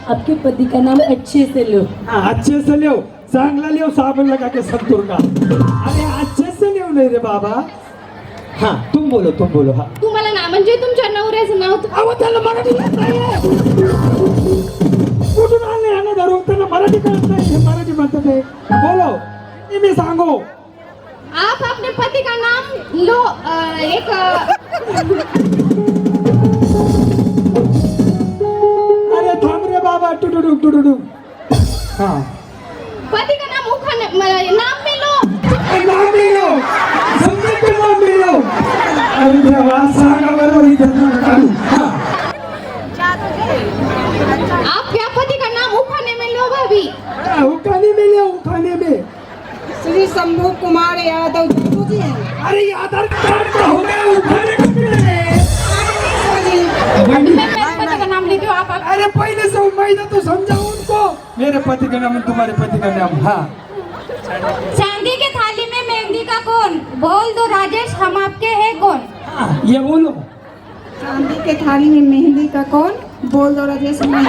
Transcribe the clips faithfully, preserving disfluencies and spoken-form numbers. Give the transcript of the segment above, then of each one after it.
आपके पति का नाम अच्छे से लो। हाँ, अच्छे से लियो, चांगला लियो, साबुन लगा के संतूर का। अरे अच्छे से लियो नाही रे बाबा। हाँ तुम बोलो तुम बोलो। हाँ तुम्हाला ना म्हणजे तुमच्या नवऱ्याचं नाव तु- अहो त्याला मराठी येत नाहीये. कुठून आले याने धरून त्याला मराठी कळत नाही. हे मराठी म्हणतात हे. बोलो मी मी सांगू. आप अपने पति का नाम लो अ, एक अ, अरे थांब रे बाबा टुडुडू टुडुडू. हाँ पति का नाम उखाने म- नाम में लो नाम लियो, समजे को नाम लियो. अरे देवा सांगा बरोबर इथं काढू. हाँ आप क्या पति का नाम उखाने में लो भाभी उखाने में लियो, उखाने में. श्री शंभू कुमार यादव जादू जी हैं। अरे ये आधार कार्ड का हो गया उखाने में मिले. मैं मेरे पति का नाम लेती हूँ आप आप- अरे पहले से उम्मीद है तो समझाओ उनको. मेरे पति का नाम तुम्हारे पति का नाम. हाँ चांदी की थाली में मेहंदी का कौन बोल दो राजेश हम आपके हैं कौन हाँ, ये बोलो. चांदी के थाली में मेहंदी का कौन बोल दो राजेश मैं-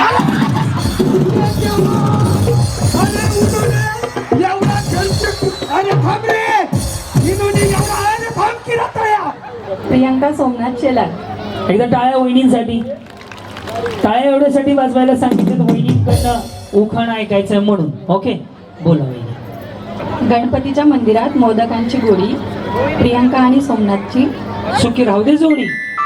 एवढा खर्च. अरे थांब रे. इन्होंने एवढा अरे थांब की राहता या. प्रियंका सोमनाथ शेलार. एकदा टाळ्या वहिनींसाठी. टाळ्या एवढ्यासाठी वाजवायला सांगितलं वहिनींकडनं उखाण ऐकायचं म्हणून. ओके बोला वहिनी. गणपतीच्या मंदिरात मोदकांची गोडी. प्रियंका आणि सोमनाथची. सुखी राहू दे जोडी.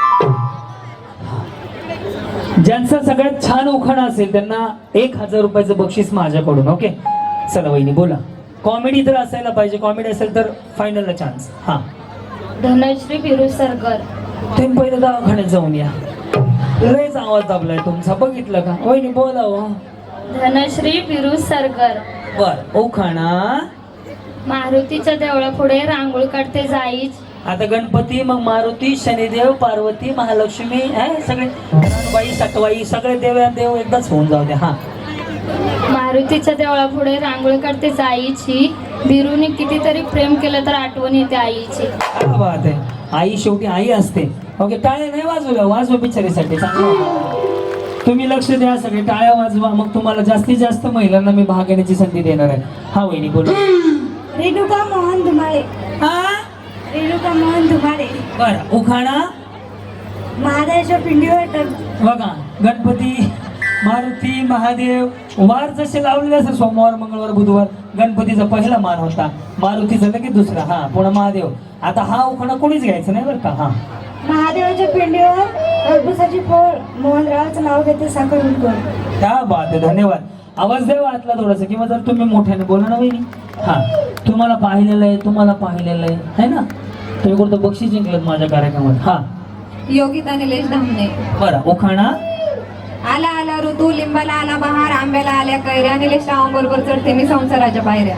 ज्यांचा सगळ्यात छान उखाण असेल त्यांना एक हजार रुपयाचं बक्षीस माझ्याकडून. ओके चला वहिनी बोला. कॉमेडी तर असायला पाहिजे. कॉमेडी असेल तर फायनलला चान्स. हा धनश्री फिरोज सरकर तुम्ही पहिलं दवाखान्यात जाऊन या. लयच आवाज दाबलाय तुमचा बघितलं का वहिनी बोला हो. धनश्री फिरोज सरकर बर उखाणा. मारुतीच्या देवळापुढे रांगोळी काढते जाईच आता गणपती मग मारुती शनिदेव पार्वती महालक्ष्मी हे सगळे बाई सटवाई सगळे देव देव एकदाच होऊन जाऊ दे. हा मारुतीच्या देवळापुढे रांगोळी काढते जाईची बिरूने कितीतरी प्रेम केलं तर आठवण येते आईची. काय बात आहे. आई शेवटी आई असते. ओके टाळ्या नाही वाजवल्या वाजवा बिचारीसाठी चांगलं. तुम्ही लक्ष द्या सगळे टाळ्या वाजवा. मग तुम्हाला जास्तीत जास्त महिलांना मी भाग घेण्याची संधी देणार आहे. हा वहिनी बोला. रेणुका मोहन धुमाळे. हा रेणुका मोहन धुमाळे. बर उखाणा. महादेवाच्या पिंडीवर बघा गणपती मारुती महादेव वार जसे लावलेले असतात सोमवार मंगळवार बुधवार. गणपतीचा पहिला मान होता. मारुतीचा लगेच दुसरा. हा पुन्हा महादेव. आता हा उखाणा कोणीच घ्यायचं नाही बरं का. हा महादेवाच्या पिंडीवर टरबुजाची फोड मोहनरावाचं नाव घेते साखर उडकून. क्या बात आहे. धन्यवाद. आवाज द्यावा आतला थोडासा किंवा जर तुम्ही मोठ्याने बोला ना वहिनी. हा तुम्हाला पाहिलेलं आहे तुम्हाला पाहिलेलं आहे है ना. तुम्ही कोणतं बक्षीस जिंकलं माझ्या कार्यक्रमात. हा योगिता निलेश धामणे. बरं उखाणा. आला आला ऋतू लिंबाला आला बहार आंब्याला आल्या कैऱ्या निलेश रावांबरोबर चढते मी संसाराच्या पायऱ्या.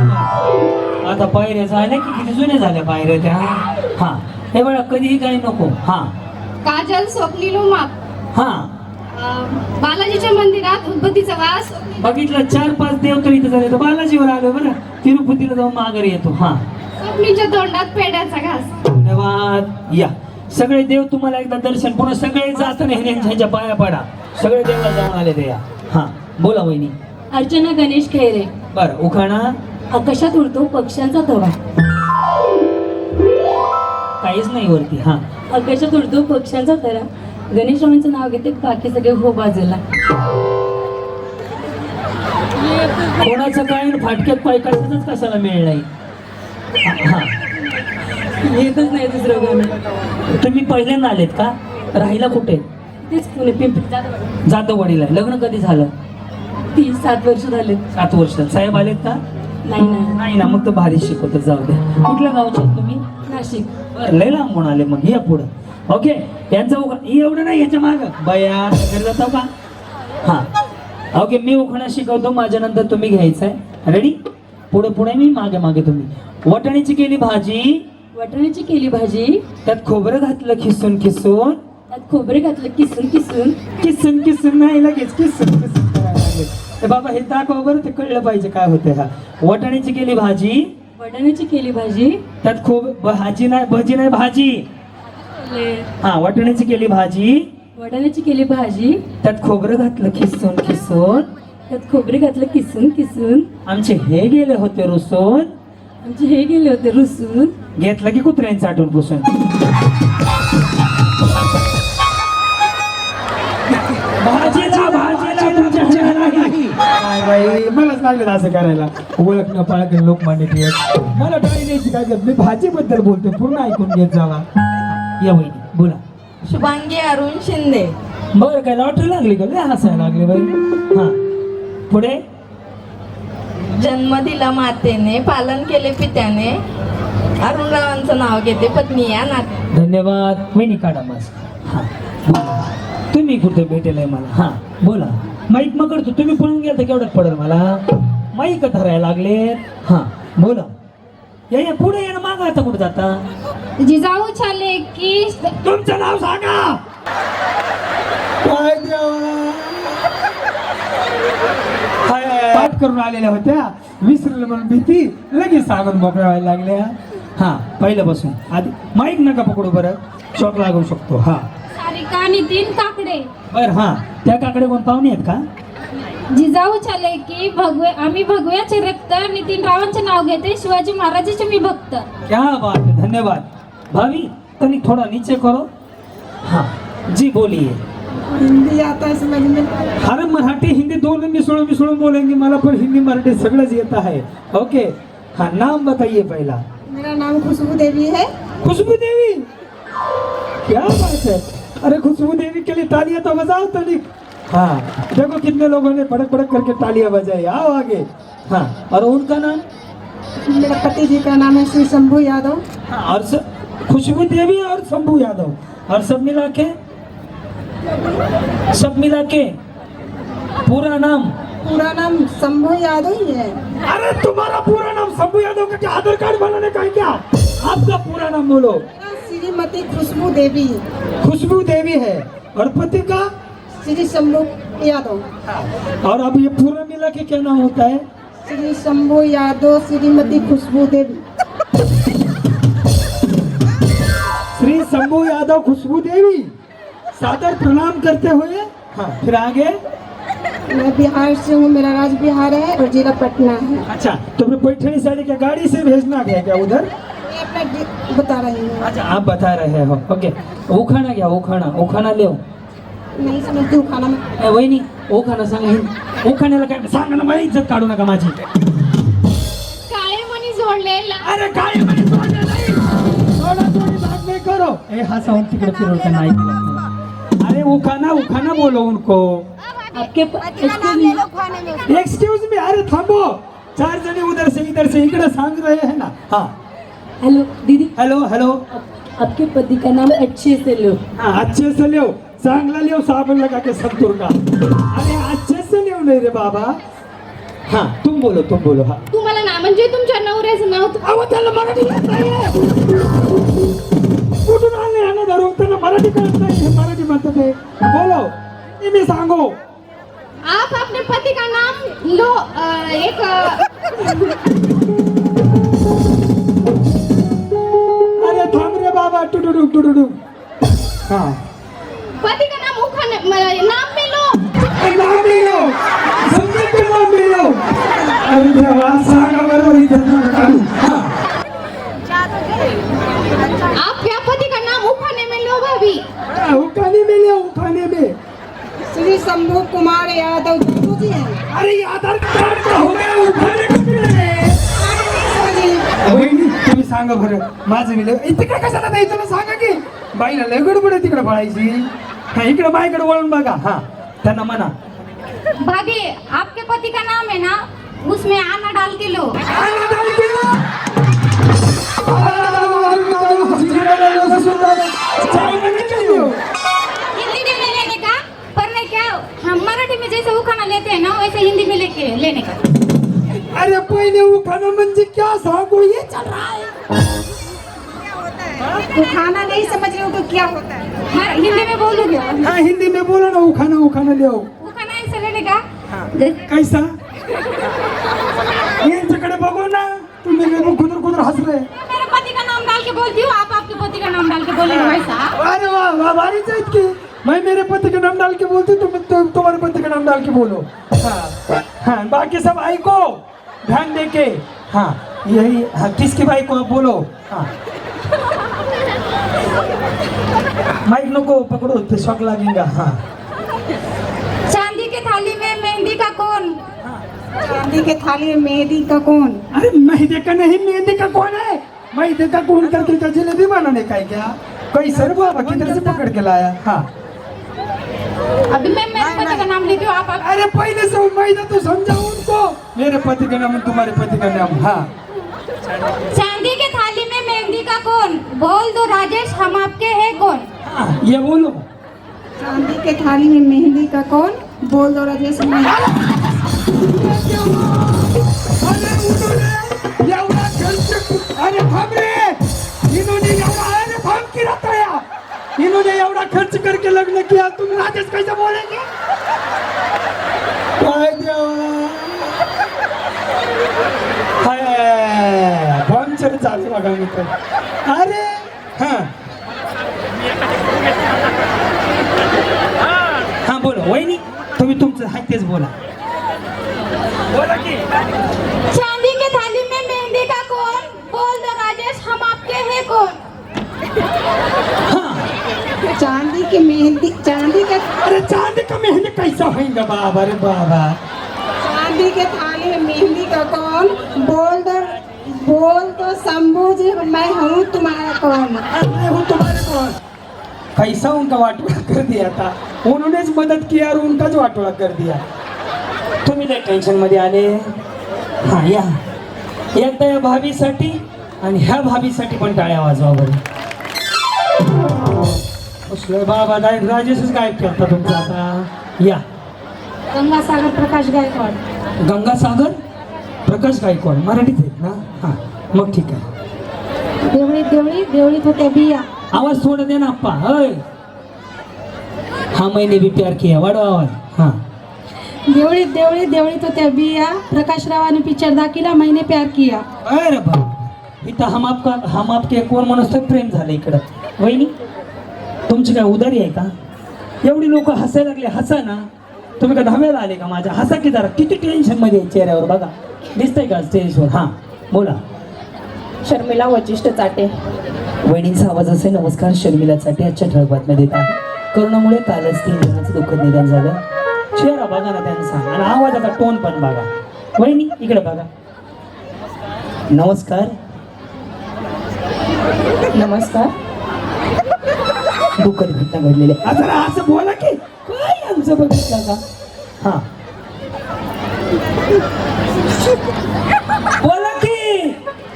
आता पायऱ्या झाल्या की किती जुन्या झाल्या पायऱ्या त्या. हा हे बघा कधीही काही नको. हा काजल स्वप्नील उमा हा बालाजीच्या मंदिरात उद्भतीचा वास बघितलं चार पाच देव तर इथं झाले तर बालाजीवर आलो बरं. तिरुपतीला जाऊन माघारी येतो. हा स्वप्नीच्या तोंडात पेड्याचा घास. धन्यवाद. या सगळे देव तुम्हाला एकदा दर्शन पुन्हा सगळे जास्त नाही ह्यांच्या पाया पडा. सगळे देवाला जाऊन आले ते या. हा बोला वहिनी. अर्चना गणेश खैरे. बर उखाणा. आकाशात उडतो पक्ष्यांचा थवा. काहीच नाही वरती. हा आकाशात उडतो पक्ष्यांचा थरा. गणेशरावांचं नाव घेते बाकी सगळे हो बाजूला. कोणाचं काय फाटक्यात पाय कशाच कशाला मिळ नाही. हा येतच नाही दुसरं गाणं. तुम्ही पहिल्यांदा आलेत का. राहिला कुठे. तेच पुणे पिंपरी जाधव. जाधववाडीला. लग्न कधी झालं. तीन सात वर्ष झाले. सात वर्षात. साहेब आलेत का. नाही ना. नाही ना मग तर भारी शिकवत जाऊ द्या. कुठल्या गावचे आहेत तुम्ही. नाशिक. बरं, लय लांबून आले मग या पुढं. ओके यांचं उखा एवढं नाही याच्या माग बया घरी जातो का. हा ओके मी उखाणा शिकवतो माझ्या नंतर तुम्ही घ्यायचं आहे. रेडी. पुढे पुढे मी मागे मागे तुम्ही. वाटाण्याची केली भाजी. वाटाण्याची केली भाजी. त्यात खोबरं घातलं खिसून खिसून. त्यात खोबरे घातलं किसून किसून. किसून किसून नाही लगेच किसून किसून करायला लागले. तर बाबा हे दाखवा बरं ते कळलं पाहिजे काय होतं. हा वाटाण्याची केली भाजी. वाटाण्याची केली भाजी. त्यात खूप भाजी नाही भजी नाही भाजी. हा वाटाण्याची केली भाजी. वडाण्याची केली भाजी, त्यात खोबरं घातलं खिसून खिसून, त्यात खोबरे घातलं किसून किसून, आमचे हे गेले होते रुसून, आमचे हे गेले होते रुसून, घेतलं की कुत्र्यांचं आठवण पुसून. भाजीला भाजीला तुमच्या हाताला नाही. काय बाई मलाच लागलं असं करायला. ओळख न पाळख लोकमान्य टिळक. मला टाळी द्यायची काय गरज? मी भाजीबद्दल बोलतोय, पूर्ण ऐकून घेत जावा. या वहिनी बोला. शुभांगी अरुण शिंदे. बरं काय लॉटरी लागली का? लय हसायला लागले बाई. हा पुढे. जन्म दिला मातेने, पालन केले पित्याने, अरुणरावांचं नाव घेते पत्नी या नाते. धन्यवाद. वहिनी काढा मस्त. हा बोला. तुम्ही कुठे भेटेल मला? हा बोला. माईक मग करतो. तुम्ही पळून गेला तर केवढ्यात पडेल मला? माईक धरायला लागले. हा बोला. या या पुढे या ना. मागा आता कुठे जाता? जिजाऊ छाले की तुमचं नाव सांगा. काय देवा. पाठ करून आलेल्या होत्या, विसरलं म्हणून भीती, लगेच सांगून मोकळ्या व्हायला लागल्या. हा पहिल्यापासून आधी माईक नका पकडू बरं, शॉक लागू शकतो. हा सारिका नितीन काकडे. बर. हा त्या काकडे कोण पाहुणे आहेत का? जिजाऊ छाले की भगवे आम्ही भगव्याचे रक्त, नितीन रावांचे नाव घेते, शिवाजी महाराजांचे मी भक्त. क्या बात है, धन्यवाद. भाभी तनी थोड़ा नीचे करो. हाँ जी बोलिए. हिंदी आता है समझ में? अरे मराठी हिंदी दोनों मिसळून मिसळून बोलेंगे. मला पण हिंदी मराठी सगळंच येत आहे. ओके. हाँ नाम बताइए पहला. मेरा नाम खुशबू देवी है. खुशबू देवी. क्या बात है. अरे खुशबू देवी के लिए तालियां तो बजाओ तनिक. हाँ देखो कितने लोगों ने बड़क बड़क करके तालियां बजाई. आओ आगे. हाँ और उनका नाम? मेरा पति जी का नाम है श्री शंभू यादव. हाँ और स, खुशबू देवी और शंभू यादव और सब मिला के सब मिला के पूरा नाम? पूरा नाम शंभू यादव ही है. अरे तुम्हारा पूरा नाम शंभू यादव का क्या आधार कार्ड बनाने का है क्या? आपका पूरा नाम बोलो. श्रीमती खुशबू देवी. खुशबू देवी है और पति का? श्री शंभू यादव. और अब ये पूरा मिला के क्या नाम होता है? श्री शंभू यादव श्रीमती खुशबू देवी. श्री शंभू यादव खुशबू देवी. सादर प्रणाम करते हुए. हाँ फिर आगे. मैं बिहार से हूँ, मेरा राज्य बिहार है और जिला पटना है. अच्छा तुमने पैठणी साड़ी क्या गाड़ी से भेजना गया क्या उधर? मैं अपना डि- बता रही हूँ. अच्छा आप बता रहे हो. ओके. उखाणा घ्या. उखाणा उखाणा लिहो. नहीं समझती हूँ खाना में. ए, वहिनी उखाणा सांगा. हिंद उखाण्याला काय सांगा ना. मला इज्जत काढू नका माझी. काळे मणी जोडलेला. अरे काय म्हणे सोडलं नाही. थोडा थोडी बात नहीं करो. ए हा साउंड तिकडे फिरवता नाही. अरे उखाना उखाना बोलो उनको. आपके एक्सक्यूज मी. अरे थांबो. चार जने उधर से इधर से इकडे सांग रहे हैं ना. हाँ हेलो दीदी, हेलो हेलो. आपके पति का नाम अच्छे से लो. हाँ अच्छे से लियो. चांगला लियो साबण लगा के संतूर का. अरे अच्छे से लियो नहीं रे बाबा. हाँ तुम बोलो तुम बोलो. हाँ तुम्हाला ना म्हणजे तुमच्या नवऱ्याचं नाव अहो त्याला मराठी येत नाहीये. कुठून आले ह्यानं धरून. त्याला मराठी कळत नाही. हे मराठी म्हणतात हे. बोलो. मी सांगो. आप अपने पति का नाम लो. अ, एक अ, अरे थांब रे बाबा. टुडुडू टुडुडू. हाँ पति का नाम उखाने म- नाम में लो. नाम लियो. समझे के नाम लियो. अरे देवा सांगा बरोबर इथं नाव काढू. हाँ. आप क्या पति का नाम उखाने में लो भाभी. हाँ, उठाने में लियो उठाने में. श्री शंभू कुमार यादव जादू जी हैं. अरे ये आधार कार्ड का हो गया. उठाने का मिळाले. वहिनी तुम्ही सांगा बरं. माझं मिळलं तिकडे कशाला नाही. तुला सांगा की बाईला लय गडबड आहे तिकडे पळायची. हा इकडे बाईकडे वळून बघा. हा त्यांना म्हणा. भाभी आपके पति का नाम है ना, उसमें आना डाल के लो. आला डाल केला. चाय बनने के लिए. हिंदी में लेने का, पर नहीं क्या हम मराठी में जैसे उखाना लेते हैं ना वैसे हिंदी में लेके लेने का. अरे पहिले उखाना म्हणजे क्या सांगू. ये चल रहा है. तो खाना नहीं समझ रहे हो तो क्या होता है? हाँ, हिंदी में बोलोगे. हाँ हिंदी में बोलो ना. उखाना उखाना ले आओ. उखाना ऐसे लेने का. जैसे- कैसा. यांच्याकडे बघू ना. तुम्ही लोग खुदर खुदर हंस रहे. मेरे पति का नाम डाल के बोलती हूँ, आप आपके पति का नाम डाल के बोलेंगे वैसा. अरे वाह वाह भारीच आहेत की. मैं मेरे पति का नाम डाल के बोलती तुम तुम तुम्हारे पति का नाम डाल के बोलो। हाँ हाँ बाकी सब आई को ध्यान दे के। हाँ यही हाँ किसकी भाई को आप बोलो। हाँ माइक नको पकड़ो तो शौक लगेगा। हाँ चांदी के थाली में मेहंदी का कौन? चांदी के थाली में मेहंदी का कौन? अरे मेहंदी का नहीं मेहंदी का कौन है? मेहंदी का कौन करके क्या जलेबी बनाने का है क्या? कोई सर बाबा किधर से पकड़ के लाया? हाँ अभी मैं मेरे पति का नाम लेती हूँ, आप आप- अरे पहले से मैं तो समझाऊं उनको मेरे पति का नाम तुम्हारे पति का नाम। हाँ चांदी के थाली में मेहंदी का कौन? बोल दो राजेश, हम आपके हैं कौन? हाँ, ये बोलो। चांदी के थाली में मेहंदी का कौन? बोल दो राजेश मैं। अरे उन्होंने एवढा खर्च अरे थांब रे इन्होंने एवढा अरे थांब की रहता या इन्होंने एवढा खर्च करके लग्न किया तुम राजेश कैसे बोलेंगे? काय देवा हाय पंचर चालू बघा मित्र। अरे हाँ हाँ बोलो वहिनी तुम्ही तुमचं हाय तेच बोला बोला की। चांदी के थाली में मेहंदी का कौन? बोल दो राजेश, हम आपके हैं कौन? चांदी की मेहंदी चांदी के अरे चांदी का मेहंदी कैसा होगा बाबा रे बाबा? चांदी के थाली में मेहंदी का कौन? बोल दो बोल दो शंभू जी मैं हूँ तुम्हारा कौन? मैं हूँ तुम्हारे कौन? कैसा उनका वाटोड़ा कर दिया था उन्होंने मदद किया और उनकाच वाटोळा कर दिया। तुम्ही लय टेन्शन मध्ये आले। हा या एकदा या भाभीसाठी आणि ह्या भाभीसाठी पण टाळ्या वाजवा बरं। असलं बाबा डायरेक्ट राजेशच गायब करता तुमचा आता। या गंगासागर प्रकाश गायकवाड. गंगासागर प्रकाश गायकवाड मराठीत आहेत ना? हां मग ठीक आहे। देवळीत देवळीत देवळीत होत्या बिया. आवाज थोड़ा देना अप्पा। अय हाँ मैंने भी प्यार किया वाढवा आवाज। हाँ देवळीत देवळीत देवळीत होत्या बिया. प्रकाशरावाने पिक्चर दाखिला मैंने प्यार किया. अरे बाबा इथं हम आपका हम आपके कोण माणूस तर प्रेम झालं इकडं। वहिनी तुमची काय उदारी आहे का? एवढी लोक हसायला लागले हसा ना। तुम्ही का धाब्याला आले का माझ्या? हसा की जरा किती टेन्शन मध्ये आहे चेहऱ्यावर बघा दिसतंय का स्टेजवर? हां बोला। शर्मिला वचिष्ठ चाटे. वहिनींचा आवाज असे नमस्कार शर्मिला चाटे आजच्या ठळक बातम्या देत आहे. करोनामुळे कालच तीन जणांचं दुःखद निधन झालं. चेहरा बघा ना त्यांचा आणि आवाजाचा टोन पण बघा. वहिनी इकडे बघा. नमस्कार नमस्कार. दुःखद घटना घडलेली आहे. जरा असं बोला की काय आमचं बघितलं का? हा बोला की।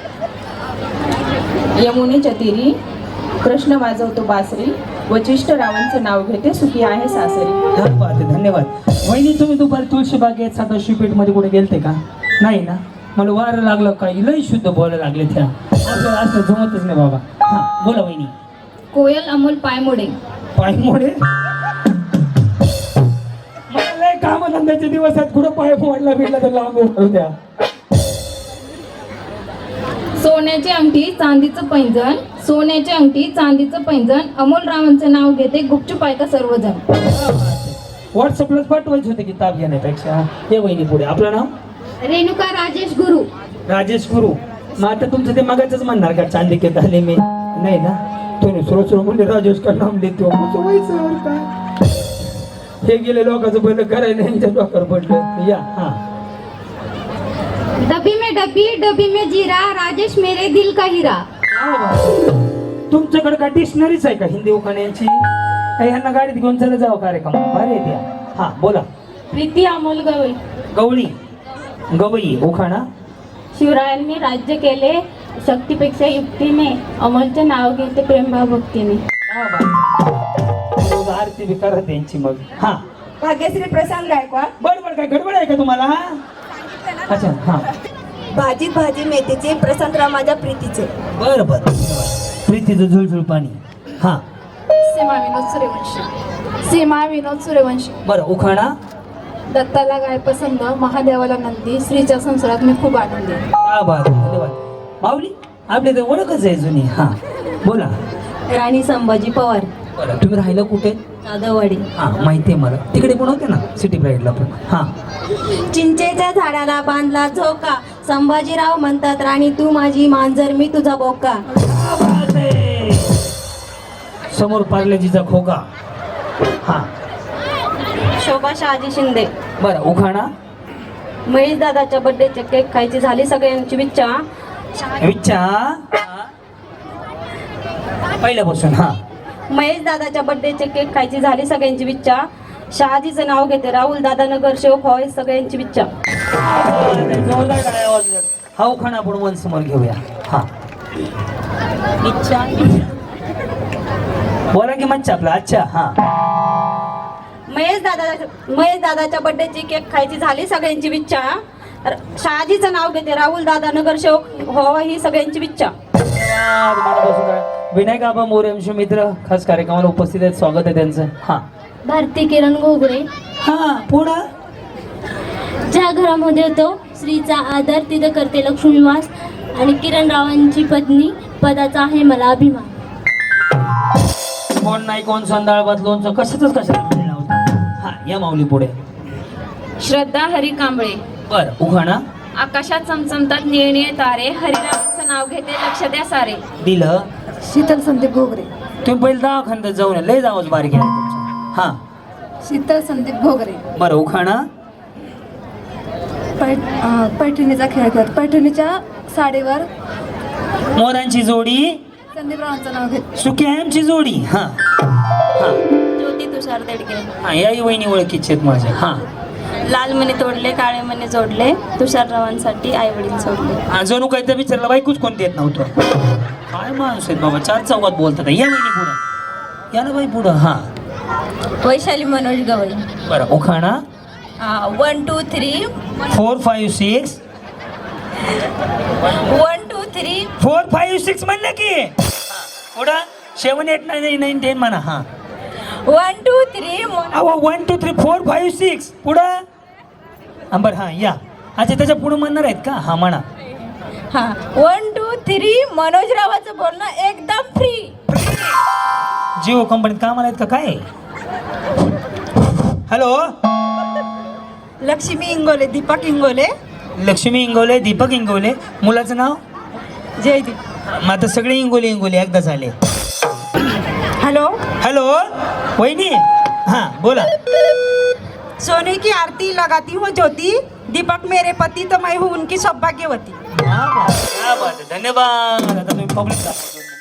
यमुनेच्या तीरी कृष्ण वाजवतो बासरी. वचिष्ठ रावांचं नाव घेते सुखी आहे सासरी. धन्यवाद धन्यवाद। वहिनी तुम्ही दुपारी तुळशी बागेत सदाशिव मध्ये कुठे गेलते का? नाही ना? मला वारं लागलं का लय शुद्ध बोलायला लागले त्या आपल्याला असं जमतच नाही बाबा। हा बोला वहिनी। कोयल अमोल पायमोडे. पायमोडे मला लय कामधंद्याचे दिवस आहेत कुठं पाय मोडला भेटला तर लांब उठू द्या। सोन्याची अंगठी चांदीचं पैंजण. सोन्याची अंगठी चांदीचं पैंजण. अमोल रावांचं नाव घेते गुपचूप ऐका सर्वजण. व्हॉट्सअपलाच पाठवायचे होते किताब घेण्यापेक्षा। हे वहिनी पुढे आपलं नाव? रेणुका राजेश गुरु. राजेश गुरु। मग आता तुमचं ते मगाचच म्हणणार का चांदी के थाली में? नाही ना? तुम्ही सुरू सुरू म्हणजे राजेश का नाम देतो व्हायचं काय? हे गेले लोकांचं बंद करायला यांच्या डोक्यावर पडलं। या हा डब्बी में डब्बी डब्बी में जीरा. राजेश मेरे दिल का हीरा. तुमच्याकडे का डिक्शनरीच आहे का हिंदी उखाण्यांची? ह्यांना गाडीत घेऊन चला जावं कार्यक्रम भारी द्या। हा बोला। प्रीती अमोल गवई. गवळी गवई उखाणा. शिवरायांनी राज्य केले शक्तीपेक्षा युक्तीने. अमोलचे नाव घेते प्रेमभाव भक्तीने. रोज आरती बी करत त्यांची मग। हा भाग्यश्री प्रशांत गायकवाड. बडबड काय गडबड आहे का तुम्हाला? अच्छा हा भाजीत भाजी मेथीचे. प्रशांतराव माझ्या प्रीतीचे. बर बर प्रीतीचं झुळझुळ पाणी। हा सीमा विनोद सूर्यवंशी. सीमा विनोद सूर्यवंशी. बरं उखाणा. दत्ताला गाय पसंत महादेवाला नंदी. स्त्रीच्या संसारात मी खूप आनंदी. हा बात धन्यवाद। माऊली आपली तर ओळखच आहे जुनी। हा बोला। राणी संभाजी पवार. बरं तुम्ही राहिलं कुठे? कादववाडी. हा माहिती आहे मला, तिकडे पण होते ना सिटी प्राईडला पण. हा चिंचेच्या झाडाला बांधला झोका, संभाजीराव म्हणतात राणी तू माझी मांजर मी तुझा बोका. समोर पार्लेजीचा खोका. हा शोभा शहाजी शिंदे. बरं उखाणा. महेश दादाच्या बर्थडेचे केक खायची झाली सगळ्यांची इच्छा. विच्छा पहिल्यापासून. हा महेश दादाच्या बर्थडेचे केक खायची झाली सगळ्यांची इच्छा. शहाजीचं नाव घेते राहुल दादा नगर शेवक व्हावे सगळ्यांची इच्छा. जोरदार टाळ्या वाजल्या. हा उखाणा आपण वन समोर घेऊया. हा इच्छा. बोला की मच्छा आपला. अच्छा. हा महेश दादा महेश दादाच्या बर्थडेची केक खायची झाली सगळ्यांची इच्छा. र- शहाजीचं नाव घेते राहुल दादा नगर शेवक व्हावा ही सगळ्यांची इच्छा. धन्यवाद. मनापासून टाळ्या. विनायक आबा मोरे आमचे मित्र खास कार्यक्रमाला उपस्थित आहेत, स्वागत आहे त्यांचं. हा भारती किरण घोगरे. हा पुढं. ज्या घरामध्ये होतो स्त्रीचा आदर तिथं करते लक्ष्मीवास, आणि किरण रावांची पत्नी पदाचा आहे मला अभिमान. कोण नाही कोण संदाळ भात लोणचं कशाच कशाला हा या माऊली पुढे. श्रद्धा हरी कांबळे. बर उखाणा. आकाशात चमचमतात निळनिळे तारे, हरिरामाचं नाव घेते लक्ष द्या सारे. दिलं. शीतल संदीप घोगरे. तुम्ही पहिले दवाखान्यात जाऊन या, लय जावंच बारीक आहे तुमचं. हा शीतल संदीप घोगरे. बरं उखाणा. पैठ अं, पैठणीचा खेळ खेळत पैठणीच्या साडीवर मोरांची जोडी संदीपरावांचं नाव घेत. सुक्याची जोडी. हा हा ज्योती तुषार देडके. हा याही वहिनी ओळखीचे आहेत माझ्या. हा लाल मणी तोडले काळे मणी जोडले, तुषाररावांसाठी आई वडील सोडले. हा जणू काही तर विचारलं बाईकूच कोणती येत नव्हतं. काय माणूस आहेत बाबा, चार चौकात बोलतात. या वहिनी पुढं या ना बाई पुढं. हा वैशाली मनोज गवळी. बरं उखाणा. One two three four five six one two three four five six म्हणलं की पुढं seven eight nine nine ten म्हणा. हा वन टू थ्री अहो one two three four five six पुढं. हा बरं हा या. अच्छा त्याच्या पुढं म्हणणार आहेत का. हा म्हणा. हा वन टू थ्री मनोजरावाचं बोलणं एकदम फ्री. जिओ कंपनीत कामाला आहेत का काय. हॅलो. लक्ष्मी इंगोले. दीपक इंगोले. लक्ष्मी इंगोले दीपक इंगोले. मुलाचं नाव जयदीप. मग आता सगळे इंगोले इंगोले एकदा झाले. हॅलो. हॅलो वहिनी. हा बोला. सोने की आरती लगाती हूँ ज्योति, दीपक मेरे पति तो मैं हूँ उनकी सौभाग्यवती. क्या बात है, क्या बात है. धन्यवाद. आता तुम्ही पब्लिक